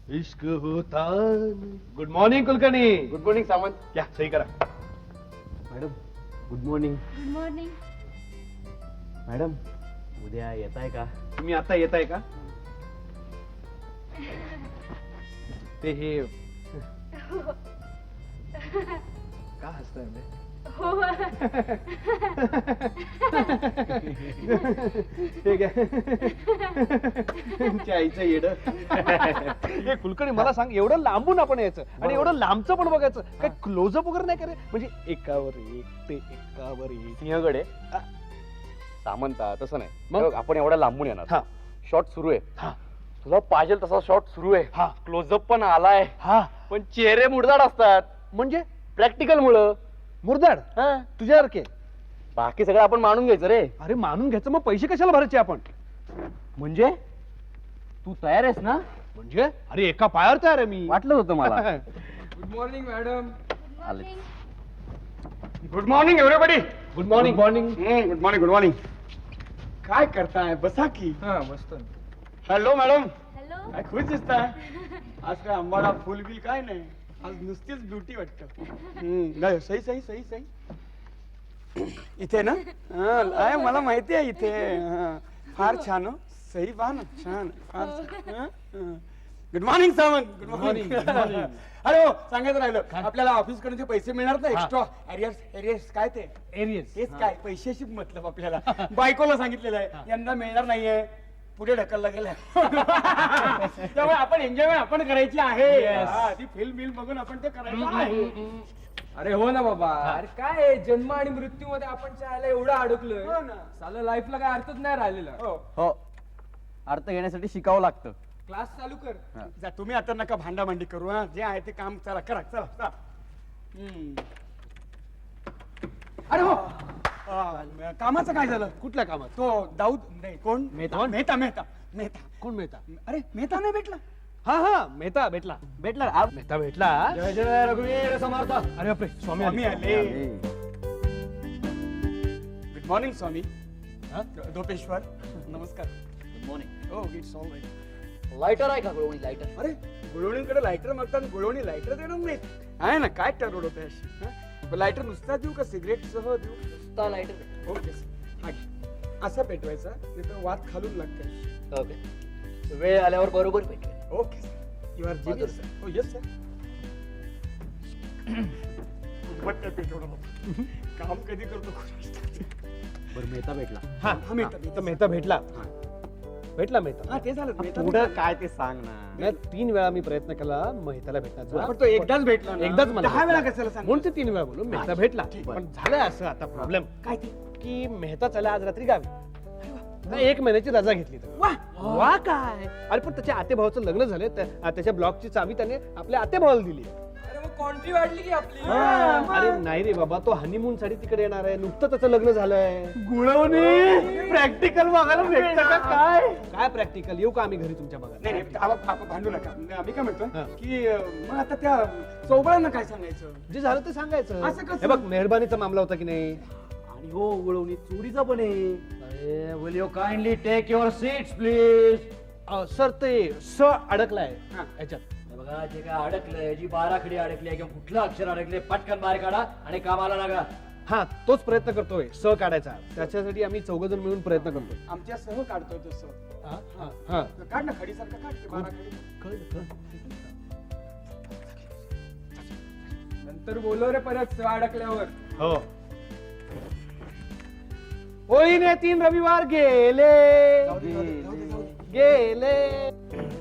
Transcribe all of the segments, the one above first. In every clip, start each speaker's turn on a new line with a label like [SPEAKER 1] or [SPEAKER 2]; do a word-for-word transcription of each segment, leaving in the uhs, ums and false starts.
[SPEAKER 1] इश्क होता. Good morning Kulkarni.
[SPEAKER 2] Good morning Samant.
[SPEAKER 1] या सही करा.
[SPEAKER 2] Madam good morning.
[SPEAKER 3] Good morning.
[SPEAKER 2] Madam उद्या येत आहे का?
[SPEAKER 1] तुम्ही आता येत आहे का? ते हे का हसताय म्हणजे?
[SPEAKER 3] हो.
[SPEAKER 1] ठीक आहे. तुमच्या आईचं येड. हे कुलकर्णी मला सांग, एवढं लांबून आपण यायचं आणि एवढं लांबचं पण बघायचं, काय क्लोजअप वगैरे नाही करे? म्हणजे एकावर एक ते एकावर एक.
[SPEAKER 2] सिंहगडे सामंता तसं नाही.
[SPEAKER 1] मग?
[SPEAKER 2] मग आपण एवढ्या लांबून येणार.
[SPEAKER 1] हा
[SPEAKER 2] शॉट सुरू आहे.
[SPEAKER 1] हा
[SPEAKER 2] तुला पाहिजे तसा शॉट सुरू आहे.
[SPEAKER 1] हा.
[SPEAKER 2] क्लोजअप पण आलाय.
[SPEAKER 1] हा
[SPEAKER 2] पण चेहरे मुडदाड असतात
[SPEAKER 1] म्हणजे
[SPEAKER 2] प्रॅक्टिकल मुळे.
[SPEAKER 1] मुरदाड तुझ्यासारखे.
[SPEAKER 2] बाकी सगळं आपण मानून घ्यायचं रे.
[SPEAKER 1] अरे मानून घ्यायचं, मग पैसे कशाला भरायचे आपण?
[SPEAKER 2] म्हणजे तू तयार आहेस ना?
[SPEAKER 1] म्हणजे अरे एका पायावर तयार आहे मी.
[SPEAKER 2] वाटलं होतं मला.
[SPEAKER 4] Good morning madam.
[SPEAKER 2] आले.
[SPEAKER 4] Good morning everybody.
[SPEAKER 1] Good morning. Morning.
[SPEAKER 4] Good morning good morning. काय करताय? बसा की. हा मस्त. Hello madam.
[SPEAKER 3] हॅलो.
[SPEAKER 4] काय खुश दिसताय? आज काय आंबाडा फुल बिल काय नाही, आज नुसतीच ब्युटी वाटत. नाही सही सही सही सही. इथे ना हा, आहे मला माहिती आहे इथे. हा, फार छान हो. सही पहा ना, छान फार छान. Good morning Sawant. Good morning. अरे हो सांगायचं राहिलं, आपल्याला ऑफिस कडून जे पैसे मिळणार ना एक्स्ट्रा एरियर्स एरियर्स काय ते
[SPEAKER 1] एरियस.
[SPEAKER 4] तेच काय पैशाशी मतलब आपल्याला बायकोला सांगितलेलं आहे यंदा मिळणार नाहीये, पुढे ढकलला गेलाय. त्यामुळे आपण एन्जॉयमेंट आपण करायची आहे. हा, ती फिल्म बिल बघून आपण ते करायचं आहे.
[SPEAKER 5] अरे हो ना बाबा. अरे काय आहे, जन्म आणि मृत्यू मध्ये आपण चायला एवढं अडकलोय.
[SPEAKER 4] हो ना.
[SPEAKER 5] साला लाईफला काय अर्थच नाही राहिलेला.
[SPEAKER 4] हो.
[SPEAKER 2] हो अर्थ घेण्यासाठी शिकावं लागतं.
[SPEAKER 5] क्लास चालू कर.
[SPEAKER 4] जा तुम्ही आता नका भांडाभांडी करू. हा जे आहे ते काम चला करा चला चला. हम्म. अरे हो आ, कामाचं काय झालं?
[SPEAKER 1] कुठल्या कामात?
[SPEAKER 4] तो दाऊद नाही कोण
[SPEAKER 1] मेहता.
[SPEAKER 4] मेहता मेहता मेहता.
[SPEAKER 1] कोण मेहता?
[SPEAKER 4] अरे मेहता नाही भेटला.
[SPEAKER 1] हा हा मेहता भेटला.
[SPEAKER 2] भेटला आ-
[SPEAKER 1] मेहता भेटला.
[SPEAKER 2] जय जय रघुवीर समर्थ.
[SPEAKER 1] अरे बापरे, स्वामी
[SPEAKER 4] स्वामी
[SPEAKER 1] आले.
[SPEAKER 4] आले. Good morning Swami.
[SPEAKER 1] हा?
[SPEAKER 4] धोपेश्वर नमस्कार.
[SPEAKER 2] Good morning.
[SPEAKER 4] हो इट्स ऑल राईट.
[SPEAKER 2] लायटर आहे का गोळवणी लायटर?
[SPEAKER 4] अरे गुळवणीकडे लायटर मागतात, गुळवणी लायटर देणार नाहीत. आहे ना काय ठरवलं होतं? लायटर नुसता देऊ का सिगरेट सह देऊ?
[SPEAKER 2] नुसता लायटर.
[SPEAKER 4] ओके हा घे. असा पेटवायचा नाही तर वाद खालून लागते.
[SPEAKER 2] ओके वेळ आल्यावर बरोबर भेटेल.
[SPEAKER 4] Okay you are genius. हो येस सर. मग काय पेटवणार बाबा. काम कधी करतो?
[SPEAKER 2] बरं मेहता भेटला.
[SPEAKER 1] हा
[SPEAKER 4] हा, मेहता,
[SPEAKER 1] हा,
[SPEAKER 4] मेहता.
[SPEAKER 1] तर मेहता भेटला.
[SPEAKER 4] हा.
[SPEAKER 1] भेटला मेहता.
[SPEAKER 4] हा ते झालं मेहता
[SPEAKER 2] पुढं
[SPEAKER 4] भेटला.
[SPEAKER 2] काय ते सांग ना.
[SPEAKER 1] नाही, तीन वेळा मी प्रयत्न केला मेहताला भेटण्याचा.
[SPEAKER 4] पण तो एकदाच भेटला ना.
[SPEAKER 1] एकदाच मला
[SPEAKER 4] दहा वेळा
[SPEAKER 1] भेटला.
[SPEAKER 4] कशाला सांग?
[SPEAKER 1] म्हणून ते तीन वेळा बोलू मेहता भेटला.
[SPEAKER 4] ठीक.
[SPEAKER 1] पण झालंय असं आता प्रॉब्लेम
[SPEAKER 4] काय ते?
[SPEAKER 1] की मेहता चला आज रात्री गावी. नाही, एक महिन्याची रजा घेतली तर.
[SPEAKER 4] वा
[SPEAKER 1] वा काय. अरे पण त्याच्या आतेभावाचं लग्न झाले, त्या- त्याच्या ब्लॉकची चावी त्याने आपल्या आतेभावाला दिली.
[SPEAKER 5] अरे मग कॉन्ट्री वाढली की आपली.
[SPEAKER 1] अरे नाही रे बाबा, तो हनीमून साठी तिकडे येणार आहे. नुकतं त्याचं लग्न झालंय.
[SPEAKER 4] गुळवणी प्रॅक्टिकल बघायला भेटतं का काय?
[SPEAKER 1] काय प्रॅक्टिकल? येऊ का आम्ही घरी तुमच्या बघा?
[SPEAKER 4] नाही नाही आप- आप- भांडू नका. आम्ही काय म्हणतो
[SPEAKER 1] हा.
[SPEAKER 4] की अं, मग आता त्या चौबळांना काय सांगायचं?
[SPEAKER 1] जे झालं ते सांगायचं.
[SPEAKER 4] असं कसं?
[SPEAKER 1] हे बघ मेहरबानीचा मामला होता की नाही.
[SPEAKER 2] आणि हो गोळवणी चोरीचा पण आहे. अरे will you kindly take your seats please.
[SPEAKER 1] Uh, sir ते स अडकलाय
[SPEAKER 4] हा.
[SPEAKER 1] याच्यात.
[SPEAKER 6] बघा जे काय अडकलंय, जी बाराखडी अडकली आहे किंवा कुठलं अक्षर अडकले पटकन बाहेर काढा आणि कामाला लागा.
[SPEAKER 1] हा तोच प्रयत्न करतोय स काढायचा. त्याच्यासाठी आम्ही चौघ जण मिळून प्रयत्न करतोय.
[SPEAKER 4] आमच्या सह काढतोय तसं.
[SPEAKER 1] हा, हा, हा.
[SPEAKER 4] काढ ना खडीसारखं काढ ते बारा खडी.
[SPEAKER 1] कळलं, कळलं.
[SPEAKER 5] नंतर बोलव रे परत स अडकल्यावर.
[SPEAKER 1] हो. होईने तीन रविवार गेले
[SPEAKER 4] जाऊ दे, जाऊ दे, जाऊ दे, जाऊ दे.
[SPEAKER 1] गेले.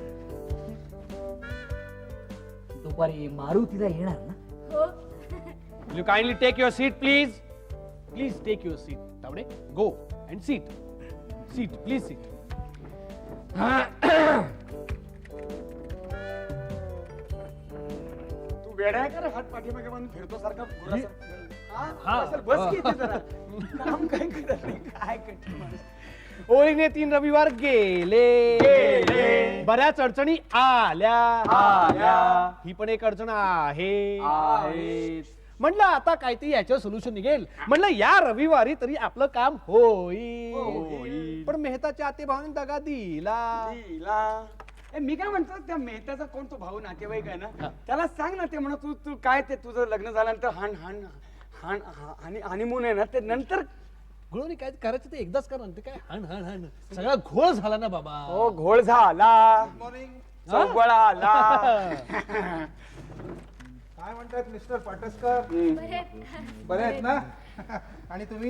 [SPEAKER 6] दुपारी मारुतीला येणार ना?
[SPEAKER 3] हो.
[SPEAKER 1] Will you kindly take your seat, please? Please take your seat. Tavade, go and seat. Seat, please seat.
[SPEAKER 4] तू वेडा आहे का रे? हात पाठीमागे बांधून फिरतो सारखा गुरासारखा? हा?
[SPEAKER 1] हा.
[SPEAKER 4] असेल, बस की इथे जरा. काम काय करत नाही, काय कठीण माणूस.
[SPEAKER 1] होळीने तीन रविवार गेले
[SPEAKER 4] गेले.
[SPEAKER 1] बऱ्याच अडचणी आल्या
[SPEAKER 4] आल्या.
[SPEAKER 1] ही पण एक अडचण आहे.
[SPEAKER 4] आहेत.
[SPEAKER 1] म्हणलं आता काहीतरी याच्यावर सोल्युशन निघेल. म्हणलं या रविवारी तरी आपलं काम होईल.
[SPEAKER 4] होईल.
[SPEAKER 1] पण मेहताच्या आते भावाने दगा दिला.
[SPEAKER 4] तिला ए, मी काय म्हणतो त्या मेहताचा कोण तो भाऊ नातेवाईक आहे ना त्याला सांग ना ते म्हणा तू तू काय ते तुझं लग्न झाल्यानंतर हाण हाण हाण आणि हनीमून आहे ना ते नंतर
[SPEAKER 1] गुळवणी काय करायचं ते एकदाच करा ना. ते काय हण हण हण सगळा घोळ झाला ना बाबा.
[SPEAKER 4] हो घोळ झाला चौबळा आला
[SPEAKER 3] काय म्हणतात मिस्टर पाटसकर? बरे आहेत ना? आणि तुम्ही?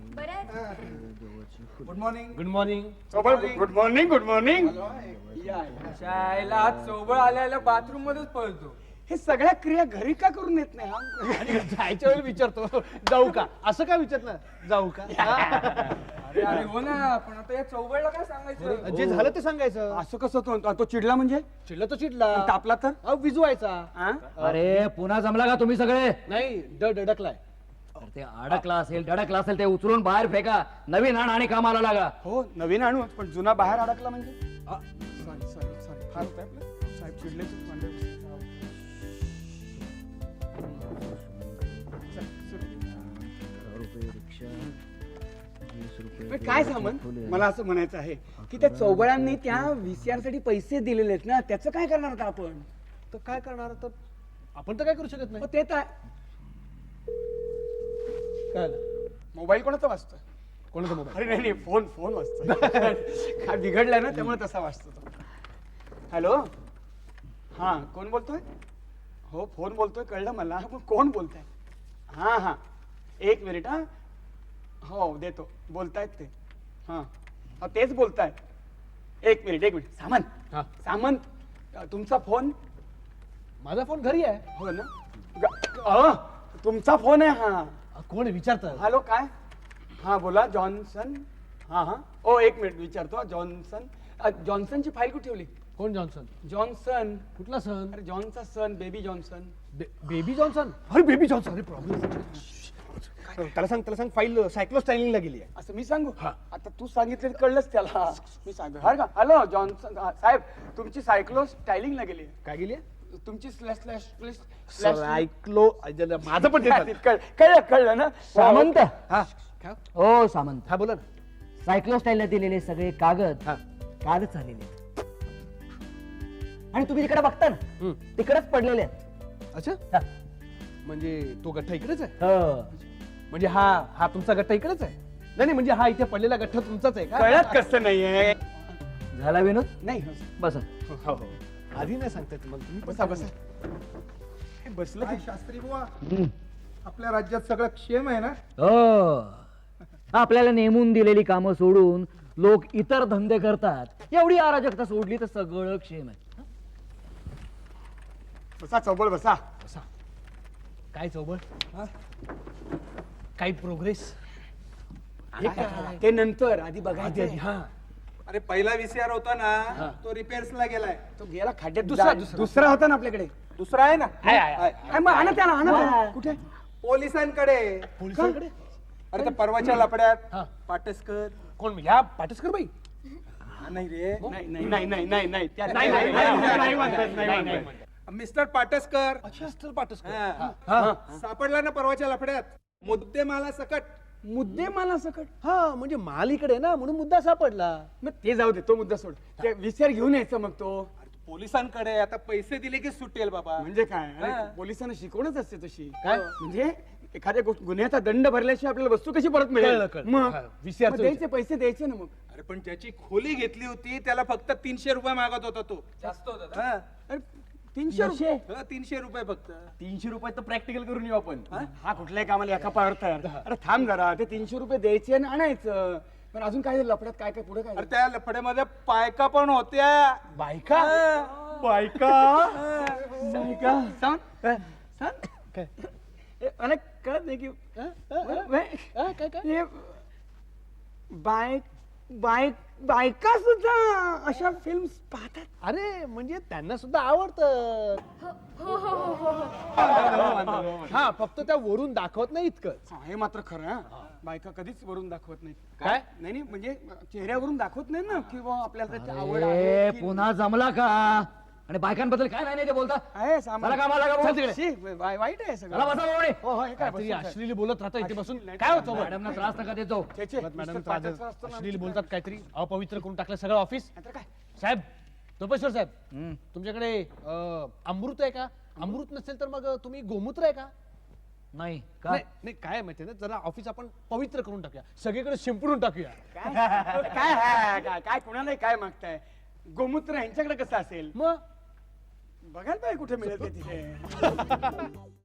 [SPEAKER 3] Good morning.
[SPEAKER 1] Good morning.
[SPEAKER 4] Chaubal good morning good morning
[SPEAKER 5] शाळेला चौबळ आल्याला बाथरूम मध्येच पळतो.
[SPEAKER 4] हे सगळ्या क्रिया घरी का करून येत नाही हा?
[SPEAKER 1] आणि जायच्या वेळी विचारतो जाऊ का, असं काय विचारत ना जाऊ का.
[SPEAKER 5] अरे अरे हो ना, पण आता या चौबळला काय सांगायचं?
[SPEAKER 1] जे झालं ते सांगायचं.
[SPEAKER 4] असं कसं तो तो चिडला म्हणजे
[SPEAKER 1] चिडला तो चिडला,
[SPEAKER 4] तापला तर
[SPEAKER 1] अहो विजवायचा.
[SPEAKER 4] हा?
[SPEAKER 6] अरे पुन्हा जमला का तुम्ही सगळे?
[SPEAKER 1] नाही ड डडकलाय.
[SPEAKER 6] तर ते अडकला असेल धडकला असेल ते उचलून बाहेर फेका, नवीन आण आणि कामाला लागा.
[SPEAKER 4] हो नवीन आणू पण जुना बाहेर अडकला म्हणजे सॉरी सॉरी सॉरी फार होतंय आपलं साहेब चिडलेच भांडे. पण काय सामान मला असं म्हणायचं आहे की त्या चौबळांनी त्या व्हीसीआर साठी पैसे दिलेले आहेत ना त्याचं काय करणार आता आपण?
[SPEAKER 1] तर काय करणार, तर आपण तर काय करू शकत नाही.
[SPEAKER 4] मग ते तर
[SPEAKER 1] काय
[SPEAKER 4] मोबाईल कोणाचा वाजतोय?
[SPEAKER 1] कोणाचा मोबाईल?
[SPEAKER 4] अरे नाही नाही फोन फोन वाजतोय काय बिघडलाय ना त्यामुळे तसा वाजतो तो. हॅलो हा कोण बोलतोय? हो फोन बोलतोय कळलं मला, पण कोण बोलताय? हा हा एक मिनिट हा हो देतो बोलतायत ते हा हा तेच बोलतायत एक मिनिट एक मिनिट सामंत
[SPEAKER 1] हा
[SPEAKER 4] सामंत अ, तुमचा फोन?
[SPEAKER 1] माझा फोन घरी आहे.
[SPEAKER 4] हो ना ग- अ, तुमचा फोन आहे हा.
[SPEAKER 1] अ, कोण विचारत?
[SPEAKER 4] हॅलो काय हा बोला जॉन्सन हा हा ओ एक मिनिट विचारतो जॉन्सन अ, जॉन्सनची फाईल कुठे ठेवली?
[SPEAKER 1] कोण जॉन्सन?
[SPEAKER 4] जॉन्सन
[SPEAKER 1] कुठला सन?
[SPEAKER 4] अरे जॉनचा सन बेबी जॉन्सन.
[SPEAKER 1] बे- बेबी जॉन्सन? अरे बेबी जॉन्सन. अरे प्रॉब्लेम. त्याला सांग त्याला सांग फाईल सायक्लोस्टायलिंगला गेली आहे.
[SPEAKER 4] असं मी सांगू आता तू सांगितलं कळलंच त्याला मी सांगतो हा का हॅलो जॉन्सन हा, साहेब तुमची सायक्लो स्टायलिंगला गेली आहे.
[SPEAKER 1] काय गेली आहे?
[SPEAKER 4] तुमची स्लॅश स्लॅश स्लॅश
[SPEAKER 1] सायक्लो माझं पण ते
[SPEAKER 4] कळ- कळलं कळलं ना
[SPEAKER 6] सामंत
[SPEAKER 1] हा काय?
[SPEAKER 6] हो सामंत,
[SPEAKER 1] हा बोला ना.
[SPEAKER 6] सायक्लोस्टाईलला दिलेले सगळे कागद
[SPEAKER 1] हा
[SPEAKER 6] कालच आलेले आहेत. आणि तुम्ही तिकडे बघता ना
[SPEAKER 1] हम्म.
[SPEAKER 6] तिकडेच पडलेले आहेत.
[SPEAKER 1] अच्छा
[SPEAKER 6] हा.
[SPEAKER 1] म्हणजे तो गठ्ठा इकडेच आहे?
[SPEAKER 6] हो.
[SPEAKER 1] म्हणजे हा हा तुमचा गठ्ठा इकडेच आहे? नाही नाही म्हणजे हा इथे पडलेला गठ्ठा तुमचाच आहे का?
[SPEAKER 4] कळत कसं नाहीये
[SPEAKER 6] झाला विनोद?
[SPEAKER 4] नाही
[SPEAKER 6] बस
[SPEAKER 1] हो हो आधी नाही सांगताय तुम्हाला तुम्ही
[SPEAKER 4] बसा बसा हे बसलं
[SPEAKER 3] काय
[SPEAKER 4] की-
[SPEAKER 3] शास्त्री बुवा, आपल्या राज्यात सगळं क्षेम आहे ना?
[SPEAKER 6] हो. आपल्याला नेमून दिलेली कामं सोडून लोक इतर धंदे करतात, एवढी अराजकता सोडली तर सगळं क्षेम आहे.
[SPEAKER 4] बसा चौबळ बसा
[SPEAKER 1] बसा. काय चौबळ? काही प्रोग्रेस?
[SPEAKER 4] ते नंतर आधी
[SPEAKER 1] आधी
[SPEAKER 4] बघायचं
[SPEAKER 1] आधी हा
[SPEAKER 3] अरे पहिला व्हीसीआर होता ना तो रिपेअर्स ला गेलाय.
[SPEAKER 4] तो गेला खड्ड्यात
[SPEAKER 1] दुसरा,
[SPEAKER 4] जा-
[SPEAKER 1] दुसरा.
[SPEAKER 4] दुसरा होता ना आपल्याकडे
[SPEAKER 3] दुसरा आहे ना?
[SPEAKER 4] काय मग आणा त्याला आणा त्याला. कुठे
[SPEAKER 3] पोलिसांकडे.
[SPEAKER 1] पोलिसांकडे?
[SPEAKER 3] अरे त्या परवाच्या लपड्यात
[SPEAKER 1] हा.
[SPEAKER 3] पाटसकर.
[SPEAKER 1] कोण ह्या पाटसकर बाई?
[SPEAKER 3] हा, नाही रे.
[SPEAKER 4] नाही नाही नाही नाही नाही नाही त्या-
[SPEAKER 1] नाही, नाही, नाही, नाही, नाही म्हणतात, नाही
[SPEAKER 4] नाही,
[SPEAKER 1] म्हणतात.
[SPEAKER 3] मिस्टर पाटसकर.
[SPEAKER 1] अच्छा असतं पाटसकर.
[SPEAKER 3] हा.
[SPEAKER 1] हा.
[SPEAKER 3] सापडला ना परवाच्या लफड्यात मुद्दे माला सकट.
[SPEAKER 4] मुद्दे मला सकट
[SPEAKER 1] हा म्हणजे माल इकडे ना म्हणून मुद्दा सापडला.
[SPEAKER 4] मग ते जाऊ दे तो मुद्दा सोड ते विचार घेऊन यायचं मग तो
[SPEAKER 3] पोलिसांकडे आता पैसे दिले की सुटेल बाबा.
[SPEAKER 4] म्हणजे काय अरे,
[SPEAKER 3] हा.
[SPEAKER 4] पोलिसांना शिकवणच असते तशी
[SPEAKER 1] काय?
[SPEAKER 4] म्हणजे एखाद्या गोष्ट गुन्ह्याचा दंड भरल्याशिवाय आपल्याला वस्तू कशी परत मिळेल
[SPEAKER 1] कळलं, कळलं.
[SPEAKER 4] मग
[SPEAKER 1] हा, विचारतो
[SPEAKER 4] मग द्यायचे पैसे द्यायचे ना मग
[SPEAKER 3] अरे पण ज्याची खोली घेतली होती त्याला फक्त तीनशे रुपये मागत होता तो.
[SPEAKER 5] जास्त होतं
[SPEAKER 3] हा.
[SPEAKER 4] अरे, तीनशे रुपये
[SPEAKER 3] हा, तीनशे रुपये फक्त.
[SPEAKER 4] तीनशे रुपये तर प्रॅक्टिकल करून येऊ आपण हा कुठल्याही कामाला एका पावर तयार अरे थांब जरा ते तीनशे रुपये द्यायचे आणि आणायचं पण अजून काय लफड्यात काय काय पुढे काय
[SPEAKER 3] अरे त्या लफड्यामध्ये पायका पण होत्या.
[SPEAKER 1] बायका?
[SPEAKER 3] हा.
[SPEAKER 4] बायका बायका सांग सांग
[SPEAKER 1] काय?
[SPEAKER 4] ए, मला कळत नाही की
[SPEAKER 1] हा? हा? हा?
[SPEAKER 4] वे-
[SPEAKER 1] हा, काय काय?
[SPEAKER 4] हे बायक बायक बायका सुद्धा अशा फिल्म पाहतात.
[SPEAKER 1] अरे म्हणजे त्यांना सुद्धा आवडतं. हा फक्त त्या वरून दाखवत नाही इतकंच.
[SPEAKER 4] हा, हे मात्र खरं हा. बायका कधीच वरून दाखवत नाही
[SPEAKER 1] काय?
[SPEAKER 4] नाही नाही म्हणजे चेहऱ्यावरून दाखवत नाही ना किंवा आपल्याला त्याची आवड
[SPEAKER 6] अरे
[SPEAKER 4] आहे की-
[SPEAKER 6] पुन्हा जमला का? आणि बायकांबद्दल काय नाही ते बोलता?
[SPEAKER 4] आहे सामान.
[SPEAKER 6] चला कामाला लागा भाऊ.
[SPEAKER 4] चल तिकडे. शी, वाई- वाईट आहे
[SPEAKER 6] चला
[SPEAKER 4] सगळं
[SPEAKER 6] बसा बाबा.
[SPEAKER 4] हो हो हे काय
[SPEAKER 1] काहीतरी
[SPEAKER 4] बसून
[SPEAKER 1] अश्लील बोलत राहता इथे बसून.
[SPEAKER 4] अश्लील
[SPEAKER 1] काय होतं
[SPEAKER 6] मॅडमना त्रास नका देतो.
[SPEAKER 4] छे, छे,
[SPEAKER 1] मॅडम
[SPEAKER 4] नुसतं पाठाचं असतं ना.
[SPEAKER 1] अश्लील बोलतात, काहीतरी अपवित्र करून टाकलं सगळं ऑफिस.
[SPEAKER 4] नाहीतर काय
[SPEAKER 1] साहेब तपेश्वर साहेब तुमच्याकडे अं, अमृत आहे का? अमृत नसेल तर मग तुम्ही गोमूत्र आहे का?
[SPEAKER 6] नाही का
[SPEAKER 1] नाही नाही, काय माहितीये ना, जरा ऑफिस आपण पवित्र करून टाकूया, सगळीकडे शिंपडून टाकूया.
[SPEAKER 4] काय काय हा, काय काय कुणालाही काय मागताय? गोमूत्र यांच्याकडे कसं असेल?
[SPEAKER 1] मग
[SPEAKER 4] बघायला पाहिजे कुठे मिळेल ते तिथे.